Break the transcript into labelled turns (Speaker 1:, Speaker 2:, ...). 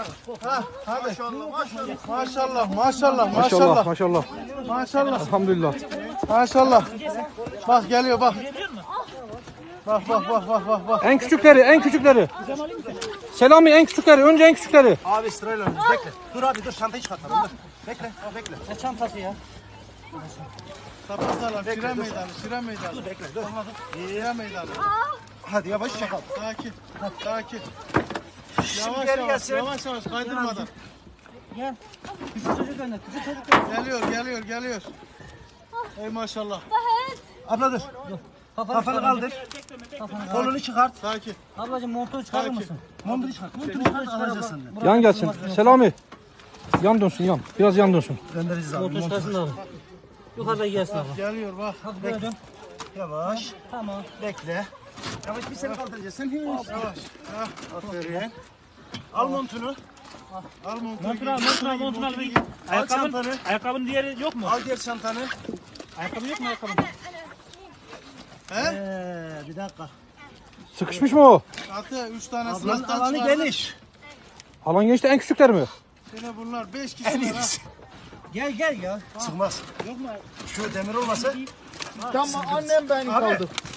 Speaker 1: Ha, hadi.
Speaker 2: Maşallah.
Speaker 1: Maşallah.
Speaker 2: Elhamdülillah.
Speaker 1: Maşallah. Bak geliyor bak. Bak.
Speaker 2: En küçükleri. Selami en küçükleri. Önce en küçükleri.
Speaker 3: Abi sırayla önümüz bekle. Dur abi dur çantayı çıkartalım dur. Bekle.
Speaker 1: Ne çantası ya? Tapazlarla Şire meydanı.
Speaker 3: Dur bekle dur.
Speaker 1: Şire meydanı.
Speaker 3: Hadi yavaş çakal.
Speaker 1: Sakin.
Speaker 3: Şimdi geri gelsin.
Speaker 1: Yavaş kaydırmadan.
Speaker 4: Gel. Küçük çocuk önüne. Küçük çocuk önüne.
Speaker 1: Geliyor. Ey maşallah.
Speaker 3: Abla dur. Kafanı kaldır. Kolunu çıkart.
Speaker 1: Sakin.
Speaker 4: Ablacığım montunu çıkarır mısın?
Speaker 3: Montunu çıkart. Montunu çıkart alacağız senden.
Speaker 2: Yan gelsin. Selami. Yan dönsün yan. Biraz yan dönsün.
Speaker 3: Göndereceğiz abi.
Speaker 4: Montunu çıkarsın da abi. Yukarıda gelsin abla.
Speaker 1: Geliyor bak.
Speaker 4: Hadi böyle dön.
Speaker 3: Yavaş.
Speaker 4: Tamam.
Speaker 3: Bekle. Yavaş bir seni kaldıracağız. Sen hiç.
Speaker 1: Yavaş.
Speaker 3: Aferin. Al montunu.
Speaker 1: Al
Speaker 4: Montunu al.
Speaker 3: Al çantanı.
Speaker 4: Ayakkabının diğeri yok mu?
Speaker 3: Al diğer çantanı.
Speaker 4: Ayakkabı yok mu ayakkabı?
Speaker 1: He?
Speaker 3: Bir dakika.
Speaker 2: Sıkışmış mı o?
Speaker 1: Atı 3 tane
Speaker 3: Ablanın
Speaker 1: sınıftan
Speaker 3: alanı
Speaker 1: çıkardı.
Speaker 3: geniş.
Speaker 2: Alan gençte en küçükler mi?
Speaker 1: Yine bunlar 5
Speaker 3: En
Speaker 1: kişi var ha.
Speaker 3: iyisi.
Speaker 4: Gel ya.
Speaker 3: Sıkmaz. Şu demir olmasa.
Speaker 1: Tamam annem beni
Speaker 3: Abi
Speaker 1: kaldı.